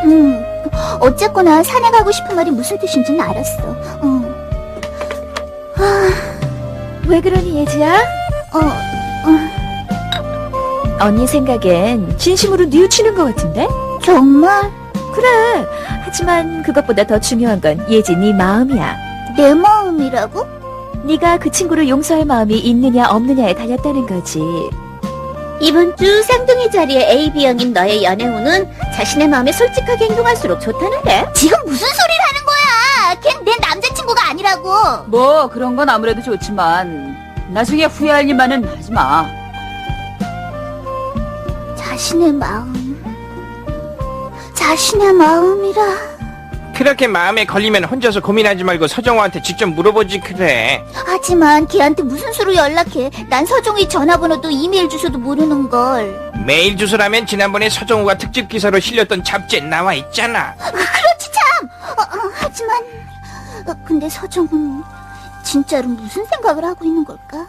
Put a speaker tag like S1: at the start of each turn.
S1: 어쨌거나 산에 가고 싶은 말이 무슨 뜻인지는 알았어.
S2: 왜 그러니, 예지야? 언니 생각엔 진심으로 뉘우치는 것 같은데?
S1: 정말?
S2: 그래. 하지만 그것보다 더 중요한 건 예지 네 마음이야.
S1: 내 마음이라고?
S2: 네가 그 친구를 용서할 마음이 있느냐 없느냐에 달렸다는 거지.
S1: 이번 주 쌍둥이 자리의 AB형인 너의 연애운은 자신의 마음에 솔직하게 행동할수록 좋다는데? 지금 무슨 소리를 하는 거야? 걘 내 남자친구가 아니라고.
S3: 뭐 그런 건 아무래도 좋지만 나중에 후회할 일만은 하지 마.
S1: 자신의 마음이라.
S4: 그렇게 마음에 걸리면 혼자서 고민하지 말고 서정호한테 직접 물어보지 그래.
S1: 하지만 걔한테 무슨 수로 연락해? 난 서종이 전화번호도 이메일 주소도 모르는걸.
S4: 메일 주소라면 지난번에 서정호가 특집 기사로 실렸던 잡지에 나와 있잖아.
S1: 그렇지 참! 하지만 근데 서종은 진짜로 무슨 생각을 하고 있는 걸까?